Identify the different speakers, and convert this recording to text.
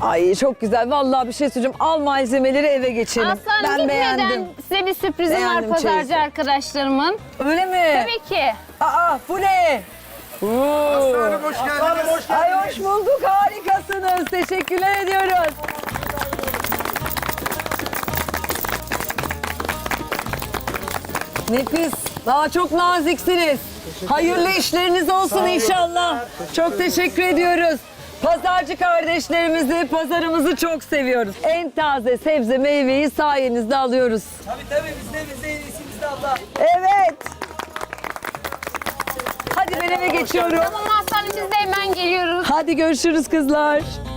Speaker 1: Ay çok güzel. Vallahi bir şey söyleyeceğim. Al malzemeleri eve geçelim.
Speaker 2: Aslanım
Speaker 1: Ben
Speaker 2: gitmeden
Speaker 1: beğendim.
Speaker 2: size bir sürprizim
Speaker 1: Beğendim
Speaker 2: var pazarcı
Speaker 1: çeyizi.
Speaker 2: arkadaşlarımın.
Speaker 1: Öyle mi?
Speaker 2: Tabii ki.
Speaker 1: Aa bu ne?
Speaker 3: Aslanım hoş geldiniz.
Speaker 1: Ay hoş bulduk. Harikasınız. Teşekkürler ediyoruz. Nefis. Daha çok naziksiniz. Hayırlı işleriniz olsun inşallah. Çok teşekkür ediyoruz. Pazarcı kardeşlerimizi, pazarımızı çok seviyoruz. En taze sebze meyveyi sayenizde alıyoruz.
Speaker 4: Tabii bizde en iyisi bizde abla.
Speaker 1: Evet. Hadi ben eve geçiyorum.
Speaker 2: Tamam aslanım biz de hemen geliyoruz.
Speaker 1: Hadi görüşürüz kızlar.